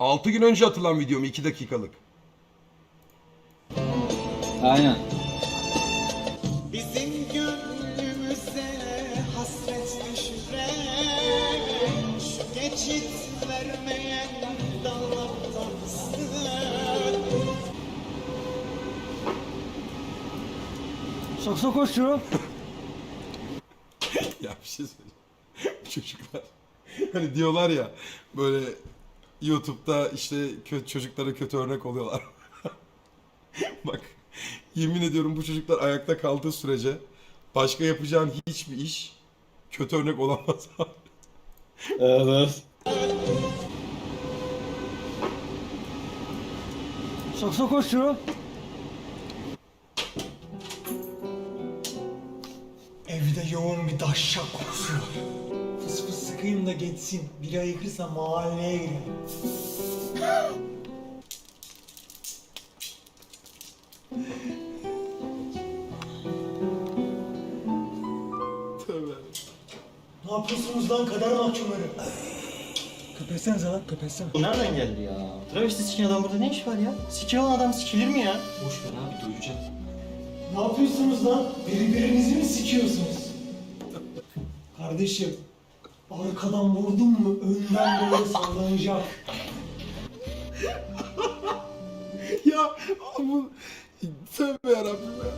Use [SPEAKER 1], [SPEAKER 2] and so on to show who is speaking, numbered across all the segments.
[SPEAKER 1] 6 gün önce atılan videom 2 dakikalık.
[SPEAKER 2] Aynen.
[SPEAKER 3] Bizim gönlümüze hasret düşüren şu geçit vermeyen dallardansın.
[SPEAKER 4] Sakso koşuyor.
[SPEAKER 1] Ya bir şey söyleyeyim. Çocuklar hani diyorlar ya böyle YouTube'da işte çocuklara kötü örnek oluyorlar. Bak yemin ediyorum bu çocuklar ayakta kaldığı sürece başka yapacağın hiçbir iş kötü örnek olamaz abi.
[SPEAKER 2] Evet.
[SPEAKER 4] Sakso koşuyor.
[SPEAKER 3] Evde yoğun bir dahşak kokusu var. Fıs fıs sıkayım da geçsin. Biri ayıkırsa mahalleye girelim.
[SPEAKER 1] Tövbe.
[SPEAKER 3] Ne yapıyorsunuz lan kader mahkumları? Köpetsenize lan köpetsene.
[SPEAKER 5] Bu nereden geldi ya? Travesti siken adam burada ne iş var ya? Siki olan adam sikilir mi ya?
[SPEAKER 2] Boş ver abi duyacağım.
[SPEAKER 3] Ne yapıyorsunuz lan? Birbirinizi mi sikiyorsunuz? Kardeşim, arkadan vurdun mu önden böyle sallanacak.
[SPEAKER 1] Ya bu tövbe yarabbim ya.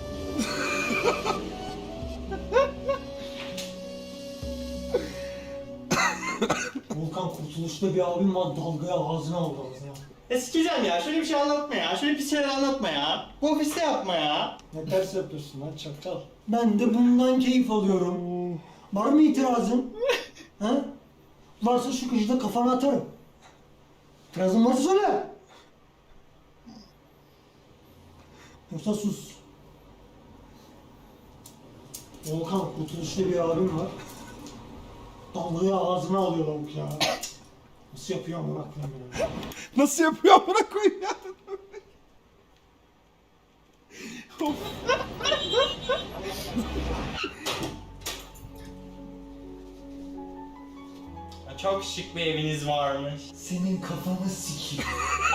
[SPEAKER 3] Volkan kurtuluşta bir abim var dalgaya ağzına aldı ağzına.
[SPEAKER 5] Sikeceğim ya. Şöyle bir şey anlatma ya. Şöyle pis şeyler anlatma ya. Bu ofiste yapma ya.
[SPEAKER 3] Ne ters yapıyorsun lan çakal. Ben de bundan keyif alıyorum. Var mı itirazın? Ha? Varsa şu köşede kafana atarım. İtirazın varsa söyle. Yoksa sus. Volkan kurtuluşta bir abim var. Dalgayı ağzına alıyor lavuk ya. Nasıl yapıyor amına koyayım ya?
[SPEAKER 1] Nasıl yapıyor amına koyayım ya? Of.
[SPEAKER 5] Çok şık bir eviniz varmış.
[SPEAKER 3] Senin kafanı sikeyim.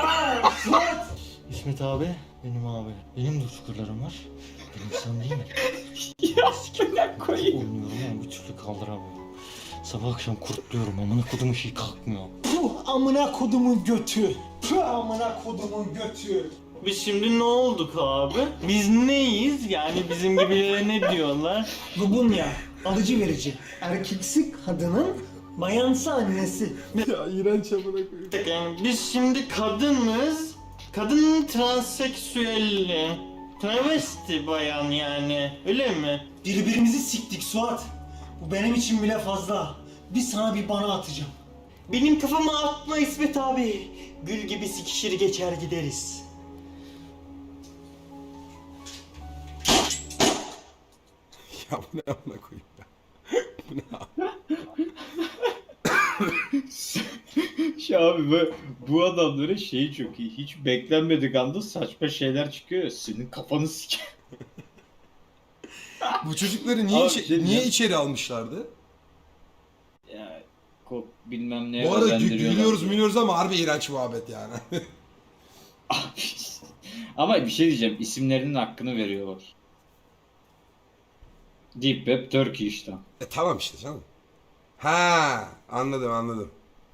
[SPEAKER 5] İsmet abi, benim abi. Benim de çukurlarım var. Benim sen değil mi?
[SPEAKER 2] Ya sikimden koyayım.
[SPEAKER 5] Oynuyorum ama bir türlü kaldıramıyorum. Sabah akşam kurtluyorum. Amına kodumun şey kalkmıyor.
[SPEAKER 3] Puh amına kodumun götü. Puh amına kodumun götü.
[SPEAKER 5] Biz şimdi ne olduk abi? Biz neyiz? Yani bizim gibilere ne diyorlar?
[SPEAKER 3] Lubunya, alıcı verici. Erkeksi kadının, bayansı annesi.
[SPEAKER 1] Ya iğrenç amına koyayım.
[SPEAKER 5] Yani biz şimdi kadınız. Kadın transseksüelli. Travesti bayan yani. Öyle mi?
[SPEAKER 3] Birbirimizi siktik Suat. Bu benim için bile fazla. Bir sana bir bana atacağım.
[SPEAKER 5] Benim kafama atma İsmet abi. Gül gibi sikişir geçer gideriz.
[SPEAKER 1] Ya bu ne amına koyayım ya? Bu ne abi?
[SPEAKER 2] Şu abi bu adamların şeyi çok iyi. Hiç beklenmedik anda saçma şeyler çıkıyor ya. Senin kafanı sik.
[SPEAKER 1] Bu çocukları niye,
[SPEAKER 2] Abi,
[SPEAKER 1] içe-
[SPEAKER 2] şey
[SPEAKER 1] niye
[SPEAKER 2] diyeceğim.
[SPEAKER 1] içeri almışlardı?
[SPEAKER 2] Ya kop bilmem ne
[SPEAKER 1] Bu arada
[SPEAKER 2] özendiriyorlar
[SPEAKER 1] gülüyoruz
[SPEAKER 2] diye.
[SPEAKER 1] mülüyoruz ama harbi iğrenç muhabbet yani.
[SPEAKER 2] Abi, ama bir şey diyeceğim. İsimlerinin hakkını veriyorlar. Deep Web Turkey işte.
[SPEAKER 1] Tamam işte canım. Ha anladım anladım.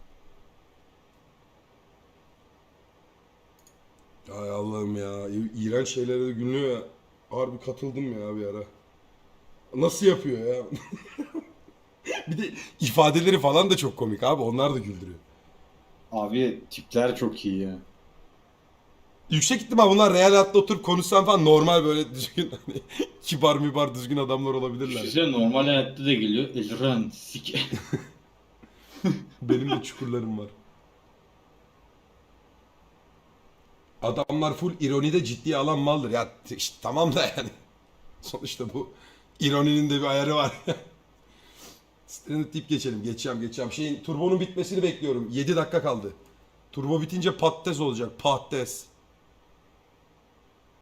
[SPEAKER 1] Ay Allah'ım ya. İğrenç şeylere de gülüyor ya. Harbi katıldım ya bir ara. Nasıl yapıyor ya? Bir de ifadeleri falan da çok komik abi. Onlar da güldürüyor.
[SPEAKER 2] Abi tipler çok iyi ya.
[SPEAKER 1] Yüksek ihtimal bunlar real hayatta oturup konuşsan falan normal böyle düzgün hani kibar mübar düzgün adamlar olabilirler.
[SPEAKER 2] Size normal hayatta da geliyor. Elran sik.
[SPEAKER 1] Benim de çukurlarım var. Adamlar full ironide ciddiye alan maldır. Ya işte, tamam da yani. Sonuçta bu ironinin de bir ayarı var. Stranded deyip geçelim. Geçeceğim. Şeyin turbonun bitmesini bekliyorum. 7 dakika kaldı. Turbo bitince patates olacak. Patates.